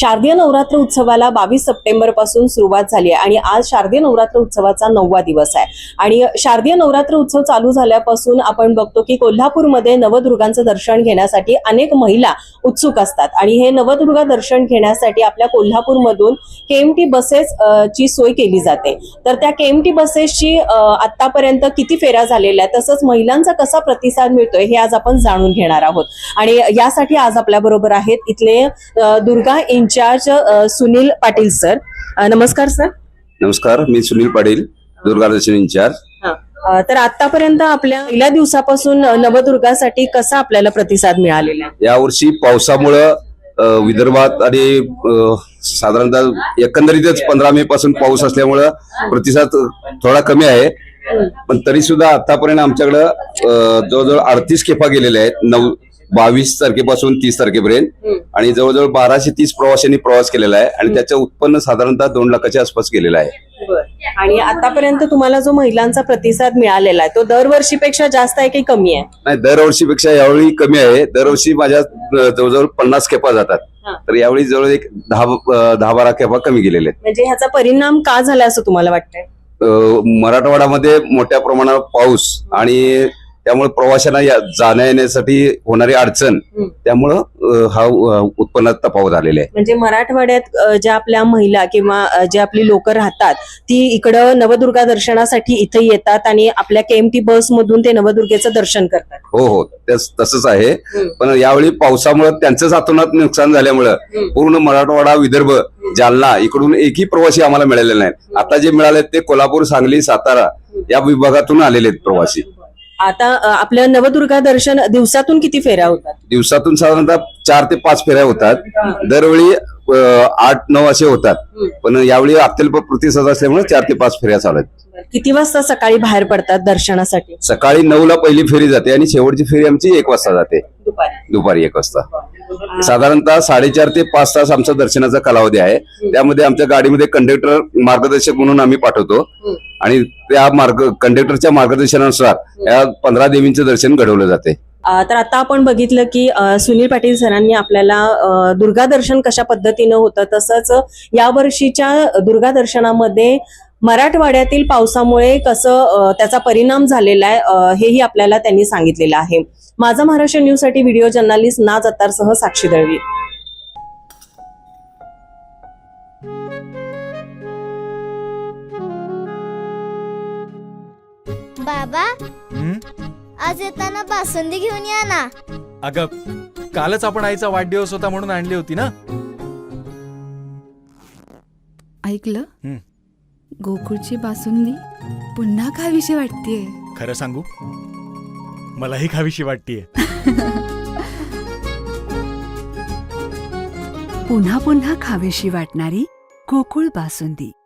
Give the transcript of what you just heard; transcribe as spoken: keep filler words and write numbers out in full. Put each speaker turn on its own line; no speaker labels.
शारदीय नवरात्र उत्सवाला बावीस सप्टेंबर पासून सुरुवात झाली आहे आणि आज शारदीय नवरात्र उत्सवाचा नववा दिवस आहे। आणि शारदीय नवरात्र उत्सव चालू झाल्यापासून आपण बघतो की कोल्हापूरमध्ये नवदुर्गांचं दर्शन घेण्यासाठी अनेक महिला उत्सुक असतात आणि हे नवदुर्गा दर्शन घेण्यासाठी आपल्या कोल्हापूरमधून केएमटी बसेस ची सोय केली जाते। तर त्या केएमटी बसेसची आतापर्यंत किती फेऱ्या झालेल्या आहेत, तसंच महिलांचा कसा प्रतिसाद मिळतोय हे आज आपण जाणून घेणार आहोत। आणि यासाठी आज आपल्या बरोबर आहेत इथले दुर्गा इंचार्ज सुनील पाटील सर। नमस्कार सर।
नमस्कार, मी सुनील पाटील, दुर्गा दर्शन इंचार्ज।
तर आतापर्यंत आपल्या पहिल्या दिवसापासून नवदुर्गासाठी कसा आपल्याला प्रतिसाद मिळालेला आहे?
यावर्षी पावसामुळे विदर्भात आणि साधारणतः एकंदरीतच पंधरा मे पासून पाऊस असल्यामुळे प्रतिसाद थोडा कमी आहे, पण तरी सुद्धा आतापर्यंत आमच्याकडे जवळजवळ अडतीस खेपा गेलेल्या आहेत नऊ बावीस तारखेपासून तीस तारखेपर्यंत आणि जवळजवळ बाराशे तीस प्रवाशांनी प्रवास केलेला आहे आणि त्याचं उत्पन्न साधारणतः दोन लाखाच्या आसपास गेलेलं आहे।
आणि आतापर्यंत तुम्हाला जो महिलांचा प्रतिसाद मिळालेला आहे तो दरवर्षीपेक्षा जास्त आहे की कमी आहे?
नाही, दरवर्षीपेक्षा यावेळी कमी आहे। दरवर्षी माझ्या जवळजवळ पन्नास खेपा जातात, तर यावेळी जवळ एक दहा दहा बारा खेपा कमी गेलेले आहेत।
म्हणजे ह्याचा परिणाम का झाला असं तुम्हाला वाटतंय?
मराठवाड्यामध्ये मोठ्या प्रमाणात पाऊस आणि त्यामुळे प्रवाशांना जाण्या येण्यासाठी होणारी अडचण, त्यामुळं हा उत्पन्नात तफावत झालेला आहे।
म्हणजे मराठवाड्यात ज्या आपल्या महिला किंवा जे आपली लोक राहतात ती इकडं नवदुर्गा दर्शनासाठी इथे येतात आणि आपल्या केएमटी बस मधून ते नवदुर्गेचं दर्शन करतात।
हो हो, तसंच आहे, पण यावेळी पावसामुळे त्यांचंच हातोनात नुकसान झाल्यामुळं पूर्ण मराठवाडा, विदर्भ, जालना इकडून एकही प्रवासी आम्हाला मिळालेले नाहीत। आता जे मिळाले ते कोल्हापूर, सांगली, सातारा या विभागातून आलेले आहेत प्रवासी।
आता आपलं नवदुर्गा दर्शन दिवसातून किती फेऱ्या होतात?
दिवसातून साधारणतः चार ते पाच फेऱ्या होतात। दरवेळी आठ नऊ असे होतात, पण यावेळी अत्यल्प प्रतिसाद असल्यामुळे चार ते पाच फेऱ्या चालू आहेत।
किती वाजता सकाळी बाहेर पडतात दर्शनासाठी?
सकाळी नऊ ला पहिली फेरी जाते आणि शेवटची फेरी आमची एक वाजता जाते, दुपारी एक वाजता। साधारणतः साडेचार ते पाच तास आमचा दर्शनाचा कालावधी आहे। त्यामध्ये आमच्या गाडीमध्ये कंडक्टर मार्गदर्शक म्हणून आम्ही पाठवतो आणि त्या मार्ग कंडक्टरच्या मार्गदर्शनानुसार या पंधरा देवींचं दर्शन घडवलं जाते।
तर आता आपण बघितलं की सुनील पाटील सरांनी आपल्याला दुर्गा दर्शन कशा पद्धतीनं होतं, तसंच या वर्षीच्या दुर्गा दर्शनामध्ये मराठवाड्यातील पावसामुळे कसं त्याचा परिणाम झालेला आहे हेही आपल्याला त्यांनी सांगितलेलं आहे। माझा महाराष्ट्र न्यूज साठी व्हिडिओ जर्नलिस्ट नाज अत्तारसह साक्षी दळवी।
बाबा, आज येताना बासुंदी घेऊन या ना।
अगं, कालच आपण आईचा वाढदिवस होता म्हणून आणली होती ना।
ऐकलं, गोकुळची बासुंदी पुन्हा खावीशी वाटतेय।
खरं सांगू, मलाही खावीशी वाटतेय।
पुन्हा पुन्हा खावीशी वाटणारी गोकुळ बासुंदी।